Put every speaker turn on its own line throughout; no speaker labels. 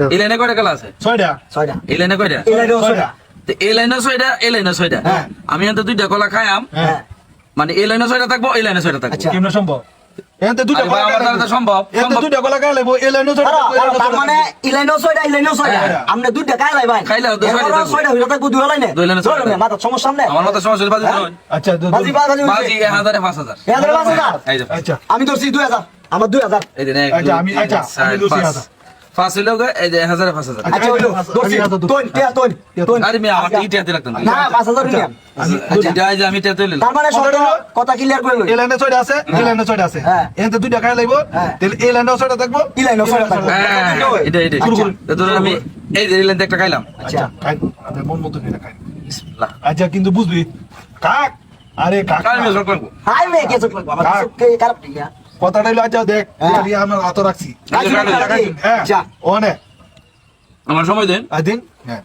এই লাইনে কয়টা খেলা আছে?
6টা।
এই লাইনে কয়টা?
এই লাইনেও 6টা।
তো এই লাইনে 6টা, এই লাইনে 6টা।
হ্যাঁ।
আমি এখান থেকে 2টা কলা খাইয়াম,
হ্যাঁ।
মানে এই লাইনে 6টা থাকবো, এই লাইনে 6টা থাকবো।
আচ্ছা।
কেমনে সম্ভব? এতে দুইটা
আরে ভাই, আমার দ্বারা তো সম্ভব।
এতে দুইটা গলা গায় লাগবো, এই লাইনও
তার মানে এই লাইনেও 6টা, এই লাইনেও 6টা।
হ্যাঁ।
আপনি দুইটা কাই লাইবেন?
খাইলে তো 6টা থাকবো।
6টা হইলো থাকবো দুই লাইনে।
দুই লাইনে 6টা।
ধরুন, মাথা সমস্যা নেই।
আমার মতো সমস্যা হলে বাজি
হ্যাঁ?
ধরুন।
আচ্ছা
বাজি বাজি
বাজি 1000 5000।
1000
এই যে
আচ্ছা
আমি ধরছি 2000, আমার 2000।
এই যে এক,
আচ্ছা,
দুই,
আমি-
তিন,
আচ্ছা,
চার,
আমি লুচি
পাঁচ।
হাজার।
পাঁচ হইলো গো, এই যে 1000 5000।
আচ্ছা হইলো ধরছি
আমি 1000
তোন টিয়া তোন তোন।
আরে মেয়ে, আমার ইটা হাতে রাখতাম না।
না 5000 নিলাম।
আচ্ছা, এটা এই যে আমি টেতে লইলাম।
তার মানে শর্ত কথা ক্লিয়ার করে লই।
এই লাইনে 6টা আছে, এই লাইনে 6টা আছে।
হ্যাঁ।
এতে দুইটা গায় লাগবো,
হ্যাঁ।
তাহলে এই লাইনেও 6টা থাকবো,
এই লাইনেও 6টা থাকবো।
হ্যাঁ, এটা
শুরু করুন।
তো ধরুন আমি এই যে এই লাইনতে একটা খাইলাম।
আচ্ছা খাই, আপনার মন মতো নিয়ে খাই।
বিসমিল্লাহ।
আচ্ছা কিন্তু বুঝবি কাক, আরে কাক
কার মেয়ে সব করবো?
হাই মে কে চোখ লাগবে আমার
কাক।
চোখে খারাপ দিয়া।
কথাটা হইলো, আচ্ছা দেখ
হ্যাঁ।
এটা দিয়ে আমরা হাত রাখছি।
রাখছি, রাখছি।
হ্যাঁ
আচ্ছা।
ওনে
আমার সময় দেন।
আদিন হ্যাঁ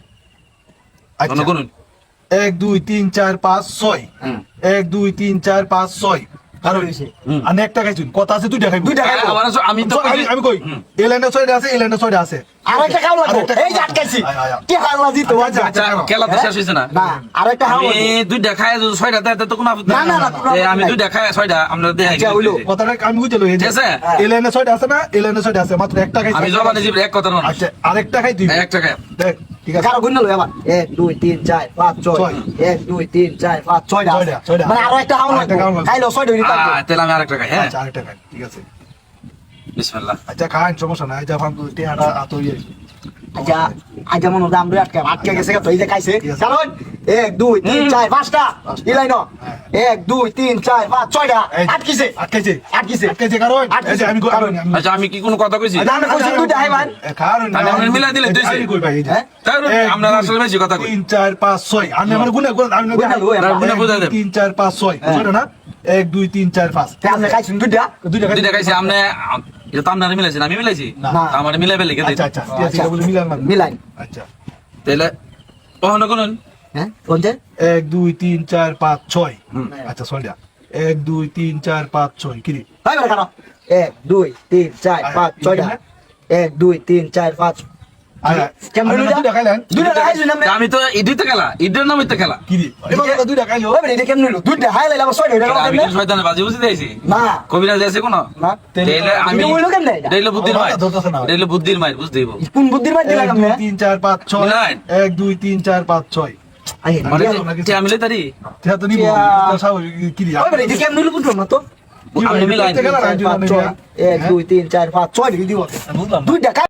আচ্ছা
কোন কোন?
1 2 3 4 5 6
হুম।
1 2 3 4 5 6 কারণ
হুম।
আর একটা খাইছুন কথা আছে দুইটা খাইবো
দুইটা খাইবো।
আমি তো
আমি কই এই লাইনে 6টা আছে, এই লাইনে 6টা আছে।
আরেকটা খাও লাগবে।
আরেকটা
এই যে আটকাইছি।
আয়, আয়, আয়।
কি হাল্লা দিতে
আচ্ছা,
বাজা।
আচ্ছা, খেলা তো শেষ হয়েছে না।
না আরেকটা খাও
আমি
লাগবে।
দুইটা খাই, যদি 6টা দেয় তো কোনো আপত্তি
না,
নাই।
না, কোনো
আমি
আপত্তি
দুইটা খাই 6টা আমরা দেয়।
আচ্ছা, হইলো।
কথাটা আমি বুঝে লই, এই যে
ঠিক আছে?
এই লাইনে 6টা আছে না, এই লাইনে 6টা আছে, মাত্র একটা খাইছি।
আমি জবানে জীব এক কথা না।
আচ্ছা আরেকটা খাই তুই
একটা খাই।
দেখ ঠিক আছে।
কারো গুণ লই আবার 1 2 3 4 5 6 1 2 3 4 5 6টা
ছয়টা।
মানে আরো একটা খাও
আরেকটা খাও
লাগবে।
লাগবে।
খাইলো 6টা হইলো থাকবে।
তাহলে আমি আরেকটা খাই। হ্যাঁ,
আচ্ছা আরেকটা খাই ঠিক আছে।
বিসমিল্লাহ।
আচ্ছা খান সমস্যা নাই, যা ফান তুই টিয়াটা আতো ইয়ে
আচ্ছা আচ্ছা মনে দাম রে আটকে গেছে তো এই যে খাইছে
ঠিক আছে।
কারণ 1 2 3 4 5টা ইলাই না
হ্যাঁ।
1 2 3 4 5 6টা
এই যে,
আটকিছে
আটকেছে
আটকিছে
আটকেছে কারণ
আটকেছে।
এই যে আমি
কারণ।
আচ্ছা, আমি কি কোনো কথা কইছি?
আমি কইছি দুইটা হাই ভাই
কারণ
আমি আপনার মিলাই দিলে তুই
আমি কই ভাই এই যে
হ্যাঁ?
তাই না? আমরা আসলে বেশি কথা কই।
3 4 5 6 আমি আমার গুণে গুণ আমি
গুণে লই, আমরা
গুণে বুঝাই দেব।
3 4 5 6 বুঝছো না 1 2 3 4 5
আপনি খাইছেন দুইটা
দুইটা
দুইটা খাইছি আমনে, এটা তো আপনারা মিলাইছেন, আমি মিলাইছি?
না।
আমার মিলাই ফেলে গেছে।
আচ্ছা আচ্ছা ঠিক আছে এটা বলে মিলান না
মিলাই
আচ্ছা
তাহলে ওখানে কোন?
হ্যাঁ কোনটা
1 2 3 4 5 6
হুম।
আচ্ছা সরিয়া 1 2 3 4 5 6 কি রে
ভাই বলে কেন 1 2 3 4 5 6টা 1 2 3 4 5
আচ্ছা
কেমন
আপনি
দুইটা
দুইটা খাইলেন
দুইটা খাইছেন আপনি
আমি তো ইডিতে খেলা, ইডের নাম ইতে খেলা।
কি রে এবার দুইটা খাইলো
ওই এটা কেমন হলো দুইটা হাই লাইলা 6টা এটা
আমি
কেমন
কি শয়তানের বাজি বুঝি দিয়েছি?
না
কবিরাজ আছে কোন?
না
তাহলে আমি
এটা হইলো কেমনে এটা?
এটা বুদ্ধির মাইর,
আমার ধরতেছে না।
এটা বুদ্ধির মাইর, বুঝতে দিব।
কোন বুদ্ধির মাঝে
1
লাগাম
2
না
3 4 5 6
মিলান।
1 2 3 4 5 6
আই
মানে
মিলাই।
তে আমি লইতারি,
এটা তো নিব
ইয়া।
স্বাভাবিক কি রে
ওই এটা কেমন হলো বুঝলাম না তো
আমি মিলাই।
1 2
1 2 3 4 5 6 দিব
বুঝলাম না।
দুইটা